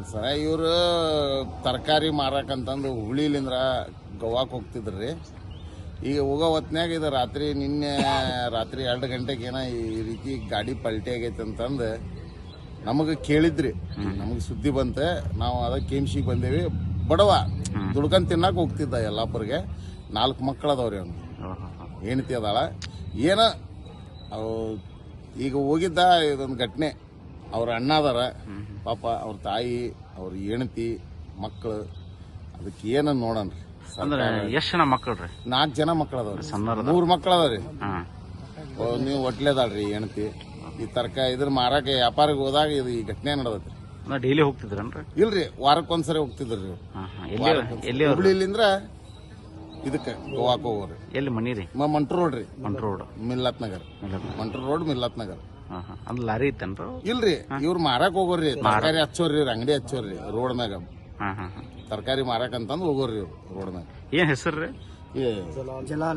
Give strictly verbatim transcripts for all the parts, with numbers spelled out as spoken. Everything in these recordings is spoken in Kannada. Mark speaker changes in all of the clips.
Speaker 1: ಸರ ಇವರು ತರಕಾರಿ ಮಾರಕಂತಂದು ಹುಬ್ಳಿಲಿಂದ್ರ ಗೋವಾಕ್ಕೆ ಹೋಗ್ತಿದ್ರಿ. ಈಗ ಹೋಗೋ ಹೊತ್ನ್ಯಾಗ ಇದು ರಾತ್ರಿ ನಿನ್ನೆ ರಾತ್ರಿ ಎರಡು ಗಂಟೆಗೆ ಏನೋ ಈ ರೀತಿ ಗಾಡಿ ಪಲ್ಟಿ ಆಗೈತೆ ಅಂತಂದು ನಮಗೆ ಕೇಳಿದ್ರಿ. ನಮಗೆ ಸುದ್ದಿ ಬಂತೆ, ನಾವು ಅದ ಕೇಮ್ಸಿಗೆ ಬಂದೇವಿ. ಬಡವ ದುಡ್ಕೊಂಡ್ ತಿನ್ನಕ್ಕೆ ಹೋಗ್ತಿದ್ದ ಯಲ್ಲಾಪುರ್ಗೆ. ನಾಲ್ಕು ಮಕ್ಕಳು ಅದಾವ್ರಿ ಅವ್ನು, ಹೆಂಡತಿ ಅದಾಳ. ಏನ ಅವು ಈಗ ಹೋಗಿದ್ದ ಇದೊಂದು ಘಟನೆ. ಅವ್ರ ಅಣ್ಣ ಅದಾರ ಪಾಪ, ಅವ್ರ ತಾಯಿ, ಅವ್ರ ಹೆಂಡತಿ, ಮಕ್ಕಳು. ಅದಕ್ಕೆ ಏನ ನೋಡನ್ರಿ.
Speaker 2: ಎಷ್ಟು ಜನ ಮಕ್ಕಳ್ರಿ?
Speaker 1: ನಾಲ್ಕು ಜನ ಮಕ್ಕಳು ಅದಾವ್ರಿ. ಮೂರು ಮಕ್ಕಳು ಅದಾವ್ರಿ. ನೀವು ಒಟ್ಲೇದಾಳ್ರಿ ಹೆಂಡತಿ. ಈ ತರಕಾರಿ ಇದ್ರ ಮಾರಾಕ ವ್ಯಾಪಾರಕ್ಕೆ ಹೋದಾಗ ಇದು ಈ ಘಟನೆ ನಡೆದತ್ರಿ.
Speaker 2: ಡೈಲಿ ಹೋಗ್ತಿದ್ರನ್ರಿ?
Speaker 1: ಇಲ್ರಿ, ವಾರಕ್ಕೊಂದ್ಸರಿ ಹೋಗ್ತಿದ್ರಿ. ಹುಬ್ಳಿಲಿಂದ್ರ ಇದಕ್ಕೆ ಗೋವಾಕ್ ಹೋಗೋರಿ.
Speaker 2: ಎಲ್ಲಿ ಮನಿ ರೀ?
Speaker 1: ಮಂಟ್ರು ರೋಡ್ ರೀ.
Speaker 2: ಮಂಟ್ರು ರೋಡ್,
Speaker 1: ಮಿಲ್ಲತ್ ನಗರ್. ಮಂಟ್ರು ರೋಡ್, ಮಿಲ್ಲತ್ ನಗರ್.
Speaker 2: ಅಂದ್ ಲಾರಿ ಇತ್ತೇನ್ರಿ?
Speaker 1: ಇಲ್ರಿ, ಇವ್ರು ಮಾರಾಕ್ ಹೋಗೋರಿ. ತರಕಾರಿ ಹಚ್ಚೋರಿ, ಅಂಗಡಿ ಹಚ್ಚೋರಿ ರೋಡ್ ಮ್ಯಾಗ. ತರಕಾರಿ ಮಾರಾಕ್ ಅಂತಂದ್ ಹೋಗೋರಿ ಇವ್ರು ರೋಡ್ ಮ್ಯಾಗ.
Speaker 2: ಏನ್ ಹೆಸರು?
Speaker 3: ಜಲಾಲ್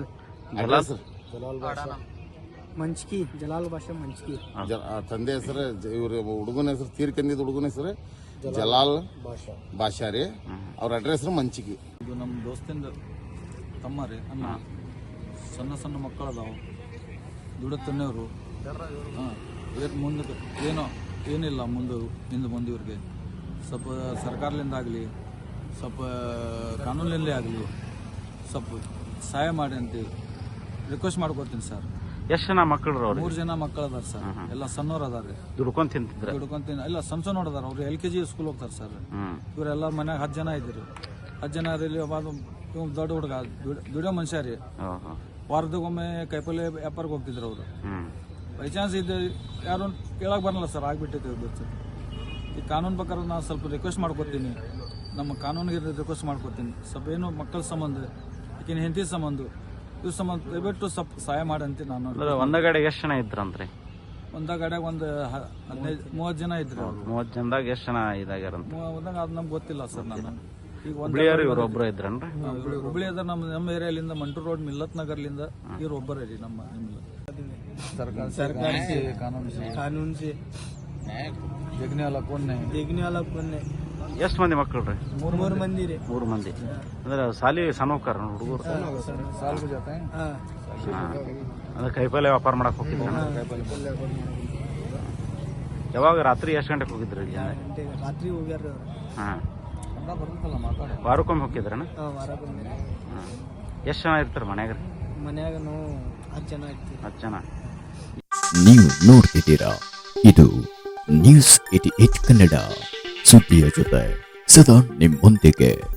Speaker 1: ಜಲಾಲ್
Speaker 3: ಮಂಚ್ಕಿ. ಜಲಾಲ್ ಭಾಷೆ ಮಂಚ್ಕಿ.
Speaker 1: ತಂದೆ ಹೆಸರು, ಇವ್ರ ಹುಡುಗನ ಹೆಸರು, ತೀರ್ಕಂದಿದ್ ಹುಡುಗನ ಹೆಸರು ಜಲಾಲ್ ಭಾಷಾ ರೀ. ಅವ್ರ ಅಡ್ರೆಸ್ ಮಂಚಿಕಿ.
Speaker 4: ಇದು ನಮ್ಮ ದೋಸ್ತಿಂದ ತಮ್ಮ ರೀ, ಅಣ್ಣ. ಸಣ್ಣ ಸಣ್ಣ ಮಕ್ಕಳು ಅದಾವು, ದುಡತನೆಯವರು. ಹಾಂ, ಇದಕ್ಕೆ ಮುಂದೆ ಏನೋ ಏನಿಲ್ಲ ಮುಂದೆ ಹಿಂದೆ ಮುಂದೆ ಇವ್ರಿಗೆ ಸ್ವಲ್ಪ ಸರ್ಕಾರದಿಂದ ಆಗಲಿ, ಸ್ವಲ್ಪ ಕಾನೂನಿನಲ್ಲೇ ಆಗಲಿ ಸ್ವಲ್ಪ ಸಹಾಯ ಮಾಡಿ ಅಂತ ರಿಕ್ವೆಸ್ಟ್ ಮಾಡ್ಕೊತೀನಿ ಸರ್.
Speaker 2: ಎಷ್ಟು ಜನ ಮಕ್ಕಳು ಅವ್ರು?
Speaker 4: ಮೂರು ಜನ ಮಕ್ಕಳು ಅದಾರ ಸರ್. ಎಲ್ಲ ಸಣ್ಣವ್ರು ಅದಾರ.
Speaker 2: ದುಡ್ಕೊಂಡ್ ತಿಂತಿದ್ರ?
Speaker 4: ದುಡ್ಕೊಂತೀನಿ. ಇಲ್ಲ, ಸಣ್ಣ ಸಣ್ಣವ್ರು ಅದಾರ. ಅವ್ರು ಎಲ್ ಕೆ ಜಿ ಸ್ಕೂಲ್ ಹೋಗ್ತಾರೆ ಸರ್. ಇವರೆಲ್ಲ ಮನ್ಯಾಗ ಹತ್ತು ಜನ ಇದ್ದೀರಿ. ಹತ್ತು ಜನ ರೀ. ಇವ್ ದೊಡ್ಡ ಹುಡುಗ ದುಡಿಯೋ ಮನುಷ್ಯ ರೀ. ವಾರದಾಗೊಮ್ಮೆ ಕೈಪಲ್ಲೆ ವ್ಯಾಪಾರಕ್ಕೆ ಹೋಗ್ತಿದ್ರು ಅವರು. ಬೈ ಚಾನ್ಸ್ ಇದು ಯಾರು ಕೇಳಕ್ ಬರಲ್ಲ ಸರ್, ಆಗ್ಬಿಟ್ಟಿದೆ. ಈ ಕಾನೂನು ಪ್ರಕಾರ ನಾನು ಸ್ವಲ್ಪ ರಿಕ್ವೆಸ್ಟ್ ಮಾಡ್ಕೊತೀನಿ, ನಮ್ಮ ಕಾನೂನಿಗೆ ರಿಕ್ವೆಸ್ಟ್ ಮಾಡ್ಕೊತೀನಿ. ಸ್ವಲ್ಪ ಏನು ಮಕ್ಕಳ ಸಂಬಂಧ, ಈಗಿನ ಹೆಂಡತಿ ಸಂಬಂಧ, ಇವ್ ಸಂಬಂಧ ದಯವಿಟ್ಟು ಸ್ವಲ್ಪ ಸಹಾಯ ಮಾಡಂತೆ. ನಾನು
Speaker 2: ಒಂದ ಗಾಡಿಗೆ ಎಷ್ಟು ಜನ ಇದ್ರಂತ್ರಿ?
Speaker 4: ಒಂದ ಗಾಡಿಯಾಗ ಒಂದು ಹದಿನೈದು ಮೂವತ್ತು ಜನ ಇದ್ರಿ.
Speaker 2: ಮೂವತ್ತು ಜನದಾಗ ಎಷ್ಟು ಜನ ಇದಾಗ್ಯಾರ?
Speaker 4: ಒಂದಾಗ ಅದು ನಮ್ಗೆ ಗೊತ್ತಿಲ್ಲ ಸರ್. ನಾನು ಈಗ
Speaker 2: ಹುಬ್ಳಿಯವ್ರು ಇವ್ರು ಒಬ್ರು ಇದ್ರನ್ರಿ?
Speaker 4: ಹುಬ್ಳಿ ಅದ. ನಮ್ಮ ನಮ್ಮ ಏರಿಯಾಲಿಂದ ಮಂಟೂರ್ ರೋಡ್ ಮಿಲ್ಲತ್ ನಗರ್ಲಿಂದ ಇವ್ರು ಒಬ್ಬರೇ ರೀ. ನಮ್ಮ ಸರ್ಕಾರಿ ಕಾನೂನು ಸೇ देखने वाला कौन नहीं देखने वाला कौन नहीं.
Speaker 2: ಎಷ್ಟು ಮಂದಿ ಮಕ್ಕಳು ರೀ?
Speaker 3: ಮೂರು ಮೂರು ಮಂದಿ ರೀ.
Speaker 2: ಮೂರು ಮಂದಿ ಅಂದ್ರೆ ಸಾಲಿ ಸಣ್ಣವ್ಕಾರ ಹುಡುಗರು? ಅಂದ್ರೆ ಕೈಪಲ್ಲೆ ವ್ಯಾಪಾರ ಮಾಡಕ್ ಹೋಗಿದ್ರು. ಯಾವಾಗ ರಾತ್ರಿ ಎಷ್ಟು ಗಂಟೆಗೆ ಹೋಗಿದ್ರಿ?
Speaker 3: ರಾತ್ರಿ ಹೋಗ್ಯಾರ.
Speaker 2: ಹಾ, ವಾರಕ್ಕೊಮ್ಮೆ ಹೋಗಿದ್ರನ? ಎಷ್ಟು ಜನ ಇರ್ತಾರ ಮನ್ಯಾಗ?
Speaker 3: ಮನ್ಯಾಗ ನಾವು ಹತ್ತು ಜನ ಇರ್ತೀವಿ.
Speaker 2: ಹತ್ತು ಜನ.
Speaker 5: ನೀವು ನೋಡ್ತಿದ್ದೀರಾ, ಇದು ನ್ಯೂಸ್ ಏಟಿ ಏಟ್ ಕನ್ನಡ, ಸುದ್ದಿಯ ಜೊತೆ ಸದಾ ನಿಮ್ಮೊಂದಿಗೆ.